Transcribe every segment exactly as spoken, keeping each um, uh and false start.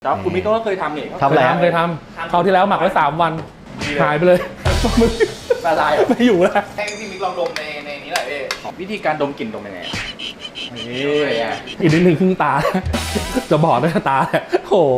แล้วคุณมิกก็เคยทำนี่ทำอะไรเคยทำคราวที่แล้วหมักไว้สามวันหายไปเลยมึงละลายไม่อยู่แล้วให้พี่มิกลองดมในในนี้แหละพี่วิธีการดมกลิ่นดมยังไงนี่อีกนิดนึงครึ่งตาจะบอดด้วยตาโอ้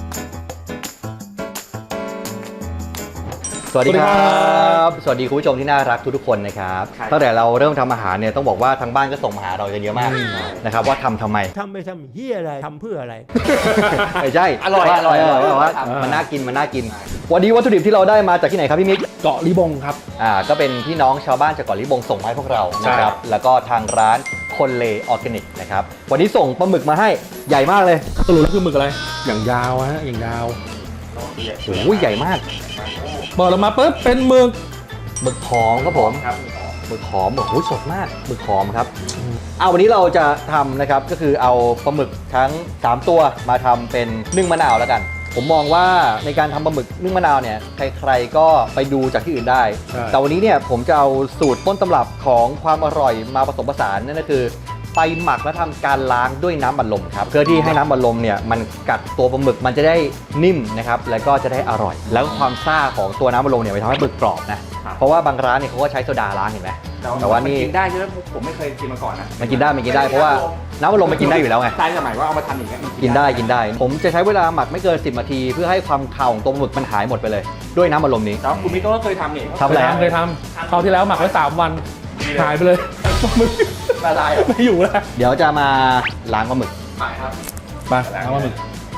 สวัสดีครับสวัสดีคุณผู้ชมที่น่ารักทุกๆคนนะครับตั้งแต่เราเริ่มทำอาหารเนี่ยต้องบอกว่าทางบ้านก็ส่งมาหาเรากันเยอะมากนะครับว่าทำทำไมทำไปทำเฮียอะไรทำเพื่ออะไรไม่ใช่อร่อยอร่อยว่ามันน่ากินมันน่ากินวันนี้วัตถุดิบที่เราได้มาจากที่ไหนครับพี่มิกเกาะลิบงครับอ่าก็เป็นพี่น้องชาวบ้านจากเกาะลิบงส่งมาให้พวกเรานะครับแล้วก็ทางร้านคนเลออร์แกนิกนะครับวันนี้ส่งปลาหมึกมาให้ใหญ่มากเลยสรุปแล้วคือหมึกอะไรอย่างยาวฮะอย่างยาวโอ้ยใหญ่มากเปิดออกมาปุ๊บเป็นหมึกหมึกหอมครับผมหมึกหอมโอ้โหสดมากหมึกหอมครับเอาวันนี้เราจะทำนะครับก็คือเอาปลาหมึกทั้งสามตัวมาทำเป็นนึ่งมะนาวแล้วกันผมมองว่าในการทำปลาหมึกนึ่งมะนาวเนี่ยใครๆก็ไปดูจากที่อื่นได้แต่วันนี้เนี่ยผมจะเอาสูตรต้นตำรับของความอร่อยมาผสมผสานนั่นก็คือไปหมักและทำการล้างด้วยน้ำบัดลมครับเพื่อที่ให้น้ำบัดลมเนี่ยมันกัดตัวปลาหมึกมันจะได้นิ่มนะครับแล้วก็จะได้อร่อยแล้วความซ่าของตัวน้ำบัดลมเนี่ยมันทำให้หมึกกรอบนะเพราะว่าบางร้านเนี่ยเขาก็ใช้โซดาล้างเห็นไหมแต่ว่านี่กินได้ใช่ไหมผมไม่เคยกินมาก่อนนะมันกินได้มันกินได้เพราะว่าน้ำบัดลมมันกินได้อยู่แล้วไงใช่สมัยว่าเอามาทำอย่างเงี้ยกินได้กินได้ผมจะใช้เวลาหมักไม่เกินสิบนาทีเพื่อให้ความคาวของตัวปลาหมึกมันหายหมดไปเลยด้วยน้ำบัดลมนี้แล้วคุณมิกก็เคยทำนี่ทำอะไรเคยทำคราวที่แล้วหมักไว้สามวันหายไปเลยมึงละลายไม่อยู่แล้วเดี๋ยวจะมาล้างปลาหมึกไปครับไปล้างปลาหมึก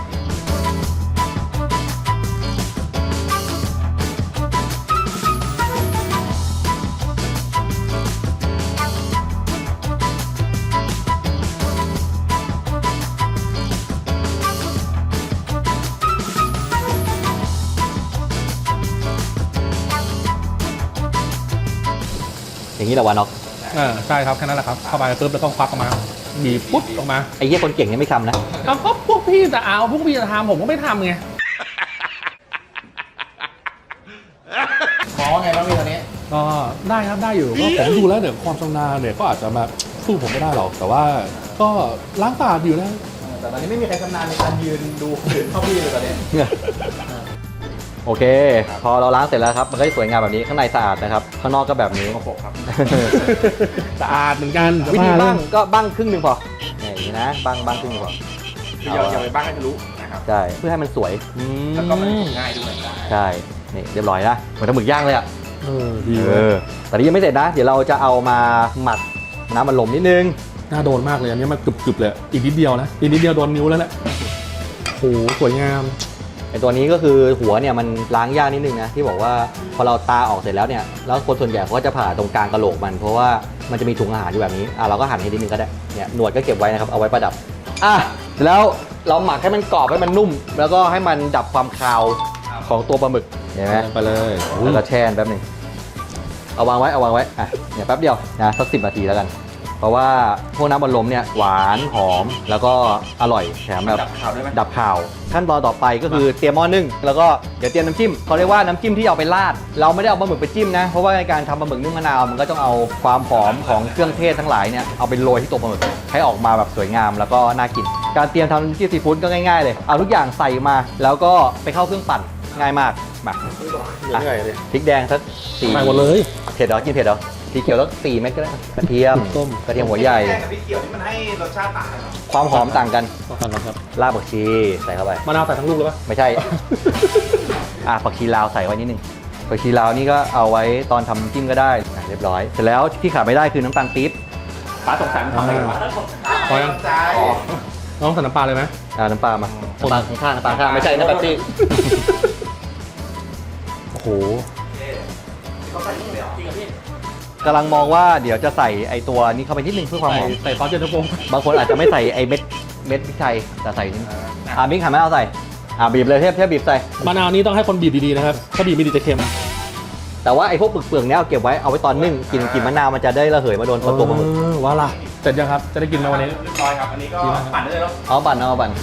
อย่างนี้แหละวะน็อกอ่าใช่ครับแค่นั้นแหละครับเข้าไปปุ๊บแล้วต้องควักออกมาบีบปุ๊บออกมาไอ้เหี้ยคนเก่งนี่ไม่ทำนะเอาก็พวกพี่จะเอาพวกพี่จะทำผมก็ไม่ทำไงมองว่าไงบ้างพี่ตอนนี้ก็ได้ครับได้อยู่ก็ผมดูแล้วเดี๋ยวความชำนาญเนี่ยก็อาจจะมาสู้ผมไม่ได้หรอกแต่ว่าก็ล้างตาอยู่แล้วแต่ตอนนี้ไม่มีใครชำนาญในการยืนดูยืนเข้าพี่เลยตอนนี้โอเคพอเราล้างเสร็จแล้วครับมันก็จะสวยงามแบบนี้ข้างในสะอาดนะครับข้างนอกก็แบบนี้ครับสะอาดเหมือนกันวิธีบ้างก็บ้างครึ่งหนึ่งพออย่างนี้นะบ้างบ้างครึ่งหนึ่งพออย่าอย่าไปบ้างให้ทะลุนะครับใช่เพื่อให้มันสวยแล้วก็มันง่ายด้วยใช่นี่เรียบร้อยนะเหมือนทำหมึกย่างเลยอ่ะเออดีเออแต่นี่ยังไม่เสร็จนะเดี๋ยวเราจะเอามาหมักน้ำมันลมนิดนึงน่าโดนมากเลยอันนี้มันกรึบๆเลยอีกนิดเดียวนะอีกนิดเดียวโดนนิ้วแล้วแหละโอ้โหสวยงามไอตัวนี้ก็คือหัวเนี่ยมันล้างยากนิดนึงนะที่บอกว่าพอเราตาออกเสร็จแล้วเนี่ยแล้วคนส่วนใหญ่เขาก็จะผ่าตรงกลางกะโหลกมันเพราะว่ามันจะมีถุงอาหารอยู่แบบนี้อ่ะเราก็หั่นให้นิดนึงก็ได้เนี่ยหนวดก็เก็บไว้นะครับเอาไว้ประดับอ่ะแล้วเราหมักให้มันกรอบให้มันนุ่มแล้วก็ให้มันดับความคาวของตัวปลาหมึกเห็นไหมไปเลยแล้วก็แช่แป๊บนึงเอาวางไว้เอาวางไว้อ่ะเนี่ยแป๊บเดียวนะสักสิบนาทีแล้วกันเพราะว่าพวกน้ำบัดลมเนี่ยหวานหอมแล้วก็อร่อยแถมแบบดับข่าวขั้นตอนต่อไปก็คือเตรียมหม้อนึ่งแล้วก็เดี๋ยวเตรียมน้ำจิ้มเขาเรียกว่าน้ำจิ้มที่เอาไปราดเราไม่ได้เอาปลาหมึกไปจิ้มนะเพราะว่าในการทำปลาหมึกนึ่งมะนาวมันก็ต้องเอาความหอมของเครื่องเทศทั้งหลายเนี่ยเอาไปโรยที่ตัวปลาหมึกให้ออกมาแบบสวยงามแล้วก็น่ากินการเตรียมทำน้ำจิ้มซีฟู้ดก็ง่ายๆเลยเอาทุกอย่างใส่มาแล้วก็ไปเข้าเครื่องปั่นง่ายมากมาพริกแดงสักสี่ใส่หมดเลยเผ็ดเหรอกินเผ็ดเหรอสีเขียวแล้วสี่เม็ดก็ได้กระเทียมต้มกระเทียมหัวใหญ่แกงกับพริกเขียวนี่มันให้รสชาติต่างกันความหอมต่างกันต่างกันครับรากผักชีใส่เข้าไปมะนาวใส่ทั้งลูกเลยปะไม่ใช่อ่ะผักชีลาวใส่ไว้นิดนึงผักชีลาวนี่ก็เอาไว้ตอนทำจิ้มก็ได้เรียบร้อยเสร็จแล้วที่ขาดไม่ได้คือน้ำตาลปี๊บป้าสงสัยมันทำอะไรวะพอยังน้องใส่น้ำปลาเลยไหมอ่าน้ำปลามาน้ำปลาข้างๆน้ำปลาข้างไม่ใช่น้ำแบบซี่โอ้โหกำลังมองว่าเดี๋ยวจะใส่ไอตัวนี้เข้าไปนิดนึงเพื่อความหอมใส่ซอสเย็นตาโฟบางคนอาจจะไม่ใส่ไอเม็ดเม็ดพริกไทยแต่ใส่นิดอ่าบิ๊กหันไม่เอาใส่อ่าบีบเลยเทียบเทียบบีบใส่มะนาวนี้ต้องให้คนบีบดีๆนะครับถ้าบีบไม่ดีจะเค็มแต่ว่าไอพวกเปลือกๆเนี้ยเอาเก็บไว้เอาไว้ตอนนึ่งกินกินมะนาวมันจะได้ระเหยมาโดนตัวปลาหมึกว่าล่ะเสร็จยังครับจะได้กินมาวันนี้เรียบร้อยครับอันนี้ก็ปั่นได้เลยแล้วเอาปั่นเอาปั่น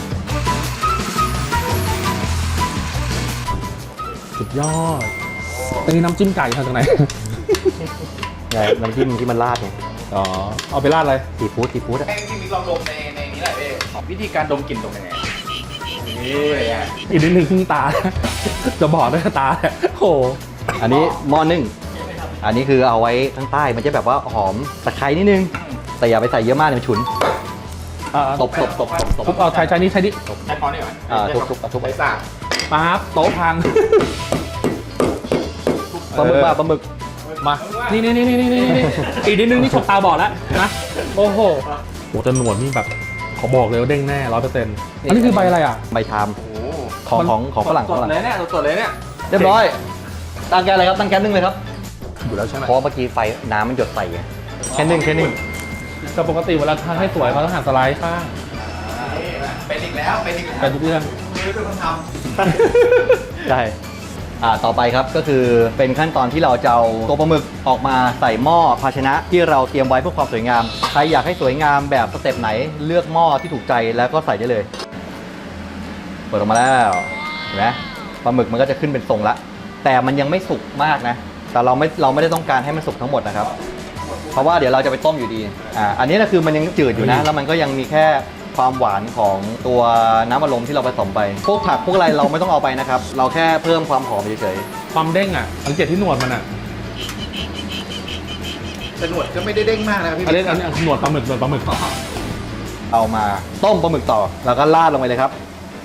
สุดยอดแต่นี่น้ำจิ้มไก่ทำจากไหนไงน้ำจิ้มที่มันราดไงอ๋อเอาไปราดอะไรซีฟู้ดซีฟู้ดให้พี่มิกลองดมในในนี้แหละพี่วิธีการดมกลิ่นดมยังไงนี่ไงอีกนิดนึงครึ่งตา จะบอกด้วยตาโอ้โหอันนี้หม้อนึ่งอันนี้คือเอาไว้ข้างใต้มันจะแบบว่าหอมตะไคร้นิดนึงแต่อย่าไปใส่เยอะมากเดี๋ยวมันฉุนอ่าตบตบตบตบตบทุบเอาใช้ใช้นี่ใช้นี่ใช้ค้อนได้ไหมอ่าทุบทุบทุบใช้สากปั๊บโต๊ะพังปลาหมึกมาปลาหมึกมา นี่นี่นี่นี่นี่นี่อีกนิดนึงนี่ฉกตาบอดแล้วนะ โอ้โหโอ้แต่หนวดนี่แบบขอบอกเลยว่าเด้งแน่ร้อยเปอร์เซ็นต์อันนี้คือใบอะไรอ่ะใบชามโอ้ของของของฝรั่งสฝดรั่งเลยเนี่ยสดเลยเนี่ยเรียบร้อยตั้งแก๊สเลยครับตั้งแก๊สนึ่งเลยครับอยู่แล้วใช่ไหมเพราะเมื่อกี้ไฟน้ำมันหยดใส่ไงแค่นึ่งแค่นึ่งแต่ปกติเวลาทานให้สวยเขาต้องหั่นสไลด์ข้างเป็นอีกแล้วเป็นอีกแล้วเป็นทุกเรื่องมือเป็นคนทใช่อ่าต่อไปครับก็คือเป็นขั้นตอนที่เราจะเอาตัวปลาหมึกออกมาใส่หม้อภาชนะที่เราเตรียมไว้เพื่อความสวยงามใครอยากให้สวยงามแบบสเต็ปไหนเลือกหม้อที่ถูกใจแล้วก็ใส่ได้เลยเปิดออกมาแล้วเห็นไหมปลาหมึกมันก็จะขึ้นเป็นทรงละแต่มันยังไม่สุกมากนะแต่เราไม่เราไม่ได้ต้องการให้มันสุกทั้งหมดนะครับเพราะว่าเดี๋ยวเราจะไปต้มอยู่ดีอ่าอันนี้นะคือมันยังจืดอยู่นะแล้วมันก็ยังมีแค่ความหวานของตัวน้ำอัดลมที่เราผสมไปพวกผักพวกอะไรเราไม่ต้องเอาไปนะครับเราแค่เพิ่มความหอมเฉยความเด้งอ่ะสังเกตที่หนวดมันอ่ะำแต่หนวดก็ไม่ได้เด้งมากนะครับพี่อันนี้อันนี้หนวดปลาหมึกหนวดปลาหมึกๆเอามาต้มปลาหมึกต่อแล้วก็ราดลงไปเลยครับ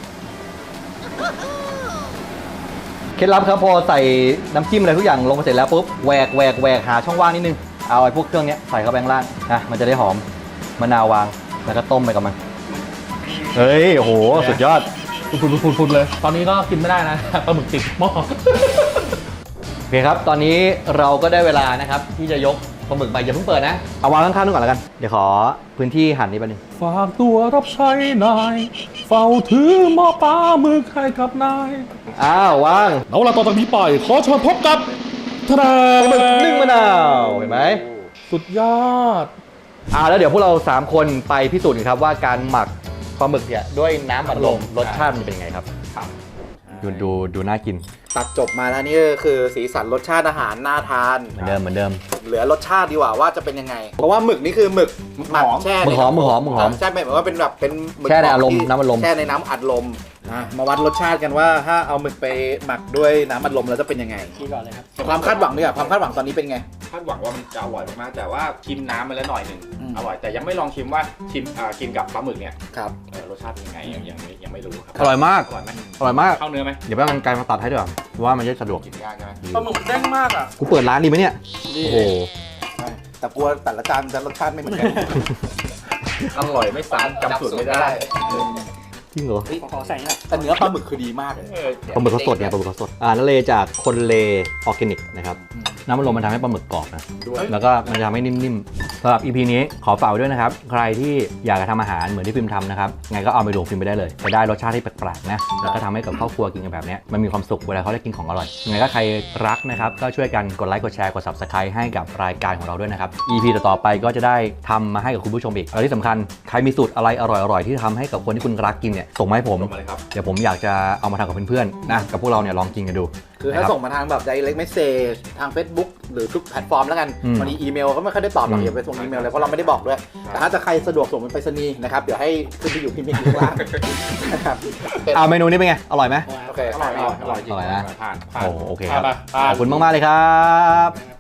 เคล็ดลับครับพอใส่น้ำจิ้มอะไรทุกอย่างลงไปเสร็จแล้วปุ๊บแหวกแหวกแหวกหาช่องว่างนิดนึงเอาไอ้พวกเครื่องเนี้ยใส่เข้าไปข้างล่างนะมันจะได้หอมมะนาววางแล้วก็ต้มไปกับมันเฮ้ยโอ้โหสุดยอดพุดๆๆเลย ตอนนี้ก็กินไม่ได้นะ ปลาหมึกติดหม้อโอเคครับตอนนี้เราก็ได้เวลานะครับที่จะยกปลาหมึกไปอย่าเพิ่งเปิดนะเอาวางข้างๆนู่นก่อนแล้วกันเดี๋ยวขอพื้นที่หั่นนี้ไปหนึ่งฝากตัวรับใช้นาย เฝ้าถือหม้อปลาหมึกให้กับนายอ้าววางแล้วเวลาต่อจากนี้ไปขอเชิญพบกับทนายปลาหมึกนึ่งมะนาวเห็นไหมสุดยอดอ่าแล้วเดี๋ยวพวกเราสามคนไปพิสูจน์กันครับว่าการหมักปลาหมึกเนี่ยด้วยน้ำอัดลมรสชาติมันเป็นยังไงครับครับดูดูดูน่ากินตัดจบมาแล้วนี่ก็คือสีสันรสชาติอาหารน่าทานเหมือนเดิมเหมือนเดิมเหลือรสชาติดีกว่าว่าจะเป็นยังไง เพราะว่าหมึกนี่คือหมึกหมักแช่หมึกหอมหมึกหอมหมึกหอมใช่ไหมายว่าเป็นแบบเป็นหมึกแช่ในอารมณ์ที่น้ำอัดลมแช่ในน้ำอัดลมอ่ะมาวัดรสชาติกันว่าถ้าเอาหมึกไปหมักด้วยน้ำอัดลมแล้วจะเป็นยังไงกินก่อนเลยครับความคาดหวังดีกว่าความคาดหวังตอนนี้เป็นไงคาดหวังว่ามันจะอร่อยมากๆแต่ว่าชิมน้ำมาแล้วหน่อยหนึ่งอืมอร่อยแต่ยังไม่ลองชิมว่าชิมอ่ากินกับปลาหมึกเนี่ยครับเอ่อรสชาติเป็นยังไงยังยังไม่ยังไม่รู้ครับอร่อยมากอร่อยไหมอร่อยมากเข้าเนื้อไหมเดี๋ยวแป๊บนึงไกลมาตัดให้ด้วยเพราะว่ามันจะสะดวกกินยากใช่ไหมปลาหมึกเด้งมากอ่ะกูเปิดร้านดีไหมเนี่ยโอ้โหแต่กลัวแต่ละจานจะรสชาติไม่เหมือนกันอร่อยไม่ซ้ำจำสูตรไม่ได้จริงเหรอขอใส่หน่อยแต่เนื้อปลาหมึกคือดีมากเลยปลาหมึกเขาสดไงปลาหมึกเขาสดอ่านั่นเลยจากคนเลออร์แกนิกนะครับน้ำมันลมมันทำให้ปลาหมึกกรอบนะแล้วก็มันจะทำให้นิ่มๆสำหรับ อี พี นี้ขอฝากไว้ด้วยนะครับใครที่อยากจะทำอาหารเหมือนที่ฟิล์มทำนะครับไงก็เอาไปลงฟิล์มไปได้เลยจะได้รสชาติที่แปลกๆนะแล้วก็ทำให้กับครอบครัวกินกันแบบเนี้ยมันมีความสุขเวลาเขาได้กินของอร่อยยังไงก็ใครรักนะครับก็ช่วยกันกดไลค์กดแชร์กด ซับสไครบ์ ให้กับรายการของเราด้วยนะครับ อี พี ต่อๆไปก็จะได้ทำมาให้กับคุณผู้ชมอีกและที่สำคัญใครมีสูตรอะไรอร่อยๆที่ทำให้กับคนที่คุณรักกินเนี่ยส่งมาให้ผมส่งมาเลยครับเดี๋ยวผมอยากจะเอามาทำกับเพื่อนๆนะกับพวกเราเนี่ยลองกินกันดูคือถ้านะครับส่งมาทางแบบ direct message ทาง Facebook หรือทุกแพลตฟอร์มแล้วกันอืมวันนี้อีเมลก็ไม่ค่อยได้ตอบหรอกอืมอย่าไปส่งอีเมลเลยเพราะเราไม่ได้บอกด้วย แต่ถ้าจะใครสะดวกส่งเป็นไปรษณีย์นะครับ เดี๋ยวให้ขึ้นไปอยู่พิมพ์อยู่ข้างล่างนะครับเป็นเอาเมนูนี้เป็นไง อร่อยไหมโอเคอร่อยอร่อยอร่อยจริงอร่อยนะผ่านผ่านโอ้โอเคครับไปไปขอบคุณมากๆเลยครับ